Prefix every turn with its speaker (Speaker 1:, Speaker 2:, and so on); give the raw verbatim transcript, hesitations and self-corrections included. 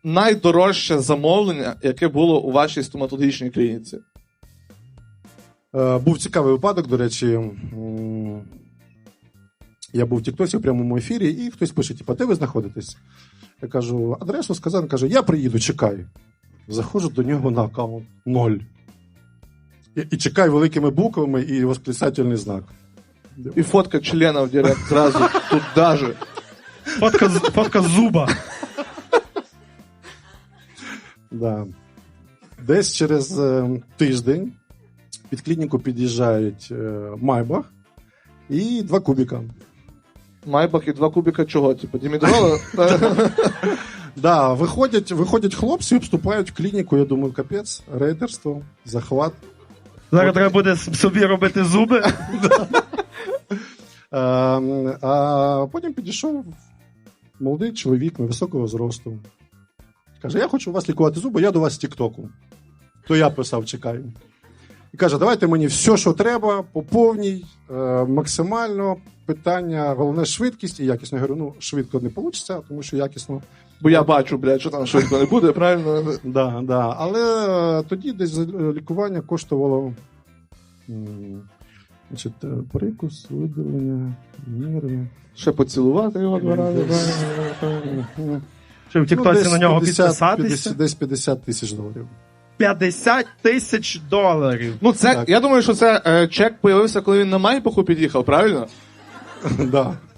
Speaker 1: найдорожче замовлення, яке було у вашій стоматологічній клініці?
Speaker 2: Е, був цікавий випадок, до речі. М, Я був в Тіктосі в прямому ефірі, і хтось пише, типу, де ви знаходитесь? Я кажу, адресу сказав, він каже, я приїду, чекай. Заходжу до нього на аккаунт. Ноль. І, і чекай великими буквами і восклицательний знак.
Speaker 1: І фотка члена в директ зразу, тут даже.
Speaker 3: Фотка, з- фотка зуба.
Speaker 2: Да. Десь через е, тиждень під клініку під'їжджають е, Майбах і два кубіка.
Speaker 1: Майбах і два кубіка чого? Типу, дімідрола?
Speaker 2: Да, виходять, виходять хлопці, обступають клініку, я думаю, капець, рейдерство, захват.
Speaker 3: Зараз треба буде с- собі робити зуби.
Speaker 2: А, а потім підійшов молодий чоловік невисокого зросту. Каже, я хочу у вас лікувати зуби, я до вас з Тіктоку. То я писав, чекаю. І каже, давайте мені все, що треба, по повній, е, максимально, питання, головне швидкість і якісно. Я говорю, ну, швидко не вийде, тому що якісно.
Speaker 1: Бо я бачу, блядь, що там швидко не буде, правильно?
Speaker 2: Да, да. Але е, тоді десь е, лікування коштувало м, значить, е, прикус, видалення, нерви.
Speaker 1: Ще поцілувати його два рази.
Speaker 3: Чи в Тіктоці
Speaker 2: Ну, десь
Speaker 3: на нього
Speaker 2: п'ятдесят,
Speaker 3: підписатися?
Speaker 2: п'ятдесят, десь п'ятдесят тисяч доларів.
Speaker 3: п'ятдесят тисяч доларів.
Speaker 1: Ну, це,
Speaker 2: Так.
Speaker 1: я думаю, що це е, чек появився, коли він на Майбаху під'їхав, правильно?
Speaker 2: Да.